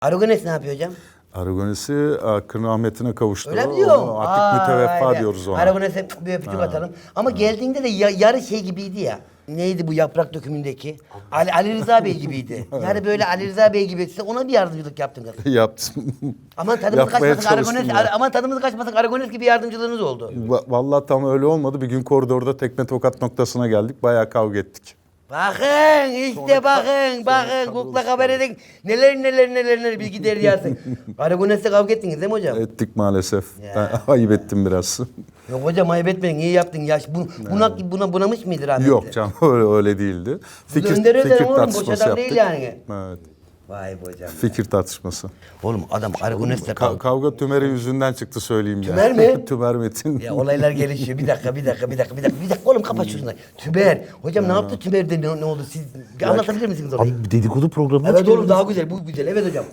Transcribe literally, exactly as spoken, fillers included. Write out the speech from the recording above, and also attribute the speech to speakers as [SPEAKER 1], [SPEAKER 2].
[SPEAKER 1] Aragones ne yapıyor hocam?
[SPEAKER 2] Aragones'i Kırın Ahmet'ine kavuştu.
[SPEAKER 1] Öyle mi diyorum?
[SPEAKER 2] Onu Artık müteveffa
[SPEAKER 1] vay be.
[SPEAKER 2] diyoruz ona.
[SPEAKER 1] Aragones'e bir öpücük atalım. Ama geldiğinde de ya- yarı şey gibiydi ya. Neydi bu yaprak dökümündeki? Ali, Ali Rıza Bey gibiydi. Yani böyle Ali Rıza Bey gibi. Size ona bir yardımcılık yaptın kız.
[SPEAKER 2] Yaptım.
[SPEAKER 1] Aman tadımız
[SPEAKER 2] Yapmaya
[SPEAKER 1] kaçmasın Aragones.
[SPEAKER 2] çalıştım ya.
[SPEAKER 1] Ar- aman tadımız kaçmasın Aragones gibi yardımcılığınız oldu.
[SPEAKER 2] Va- Vallahi tam öyle olmadı. Bir gün koridorda tekme tokat noktasına geldik. Bayağı kavga ettik.
[SPEAKER 1] Bakın işte bakın bakın kukla haber edin. Neler neler neler neler bilgi deryası. Aragones'le kavga ettiniz değil mi hocam?
[SPEAKER 2] Ettik maalesef.
[SPEAKER 1] Ya.
[SPEAKER 2] Ben ayıp ettim biraz.
[SPEAKER 1] Yok hocam ayıp etmeyin iyi yaptın. Yaş bu, buna, buna bunamış mıydı rahmetli?
[SPEAKER 2] Yok canım öyle öyle değildi.
[SPEAKER 1] Bu da Önder Özer oğlum, boş
[SPEAKER 2] tartışması
[SPEAKER 1] adam değil
[SPEAKER 2] yaptık.
[SPEAKER 1] yani.
[SPEAKER 2] Evet.
[SPEAKER 1] Vay be hocam.
[SPEAKER 2] Fikir tartışması.
[SPEAKER 1] Oğlum adam Aragones'le
[SPEAKER 2] Ka-
[SPEAKER 1] kavga.
[SPEAKER 2] kavga Tümer'e yüzünden çıktı söyleyeyim
[SPEAKER 1] Tümer
[SPEAKER 2] ya.
[SPEAKER 1] mi?
[SPEAKER 2] Tümer Metin.
[SPEAKER 1] Ya olaylar gelişiyor. Bir dakika, bir dakika, bir dakika, bir dakika. Bir dakika oğlum kapat şunu. Tümer. Hocam ne yaptı Tümer'de ne, ne oldu? Siz bir anlatabilir misiniz orayı?
[SPEAKER 3] Abi dedikodu programına
[SPEAKER 1] Evet
[SPEAKER 3] çıkıyoruz.
[SPEAKER 1] oğlum daha güzel. Bu güzel. Evet hocam.